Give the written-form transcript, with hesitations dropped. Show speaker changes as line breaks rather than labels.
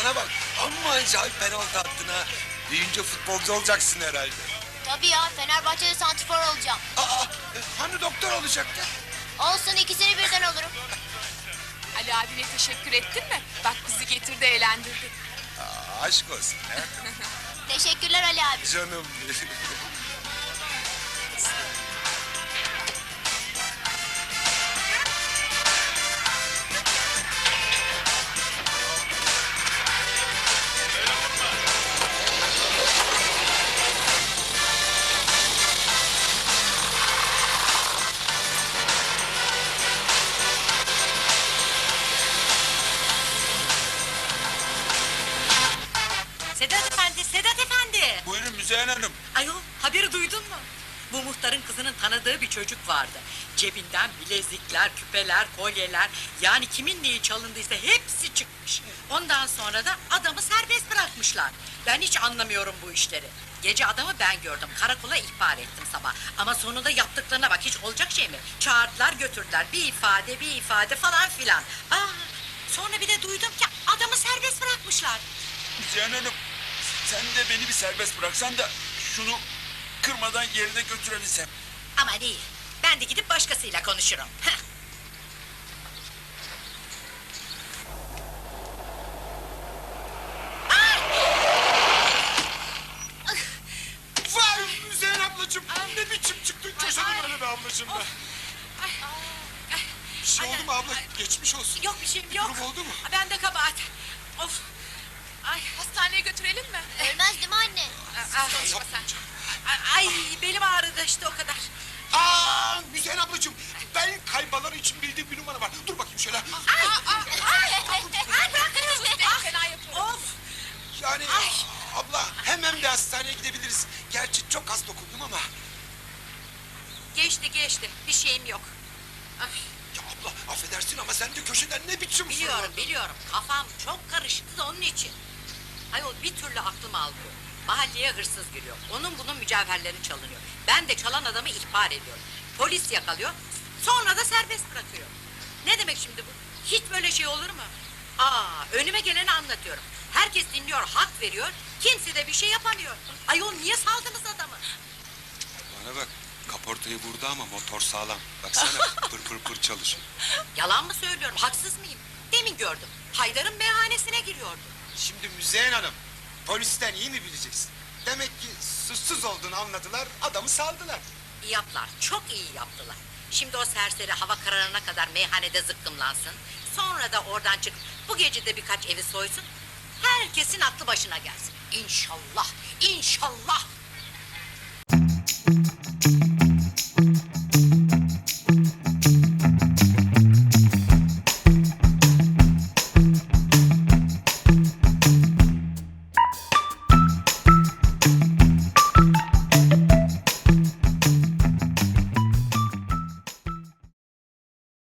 Bana bak, amma acayip penaltı attın ha. Büyüyünce futbolcu olacaksın herhalde.
Tabii ya, Fenerbahçe'de santrfor olacağım.
Hani doktor olacaktın?
Olsun, ikisini birden olurum.
Ali abine teşekkür ettin mi? Bak bizi getirdi, eğlendirdi.
Aşk olsun hayatım.
Teşekkürler Ali abi.
Canım.
Sedat Efendi, Sedat Efendi!
Buyurun Müzeyyen Hanım.
Ayol, haberi duydun mu? Bu muhtarın kızının tanıdığı bir çocuk vardı. Cebinden bilezikler, küpeler, kolyeler... ...yani kimin neyi çalındıysa hepsi çıkmış. Ondan sonra da adamı serbest bırakmışlar. Ben hiç anlamıyorum bu işleri. Gece adamı ben gördüm, karakola ihbar ettim sabah. Ama sonunda yaptıklarına bak, hiç olacak şey mi? Çağırdılar, götürdüler, bir ifade falan filan. Sonra bir de duydum ki adamı serbest bırakmışlar.
Müzeyyen Hanım, sen de beni bir serbest bıraksan da şunu kırmadan yerine götürebilsem.
Aman iyi, ben de gidip başkasıyla konuşurum. Heh.
Vay Müzeyyen ablacığım. Ne biçim çıktın köşeden öyle be ablacığım be. Bir şey oldu mu abla? Geçmiş olsun.
Yok bir şeyim yok.
Durum oldu mu?
Ben de kabahat. Of.
Ay, hastaneye götürelim mi?
Ölmez değil mi anne?
Konuşma sen.
Ay belim ağrıdı işte o kadar.
Müzeyyen ablacığım. Ben kaybalar için bildiğim bir numara var. Dur bakayım şöyle.
Fena yapıyorum.
Of.
Yani abla hemen bir hastaneye gidebiliriz. Gerçi çok az dokundum ama.
Geçti. Bir şeyim yok. Ay,
Ya abla affedersin ama sen de köşeden ne biçim
biliyorum. Kafam çok karıştı da onun için. Ayol bir türlü aklım almıyor. Mahalleye hırsız giriyor. Onun bunun mücevherleri çalınıyor. Ben de çalan adamı ihbar ediyorum. Polis yakalıyor. Sonra da serbest bırakıyor. Ne demek şimdi bu? Hiç böyle şey olur mu? Önüme geleni anlatıyorum. Herkes dinliyor, hak veriyor. Kimse de bir şey yapamıyor. Ayol niye saldınız adamı?
Bana bak kaportayı vurdu ama motor sağlam. Baksana pır pır çalışıyor.
Yalan mı söylüyorum, haksız mıyım? Demin gördüm. Haydar'ın meyhanesine giriyordu.
Şimdi Müzeyyen Hanım polisten iyi mi bileceksin? Demek ki suçsuz olduğunu anladılar adamı saldılar.
İyi yaptılar, çok iyi yaptılar. Şimdi o serseri hava kararına kadar meyhanede zıkkımlansın. Sonra da oradan çık, bu gece de birkaç evi soysun. Herkesin aklı başına gelsin. İnşallah, inşallah.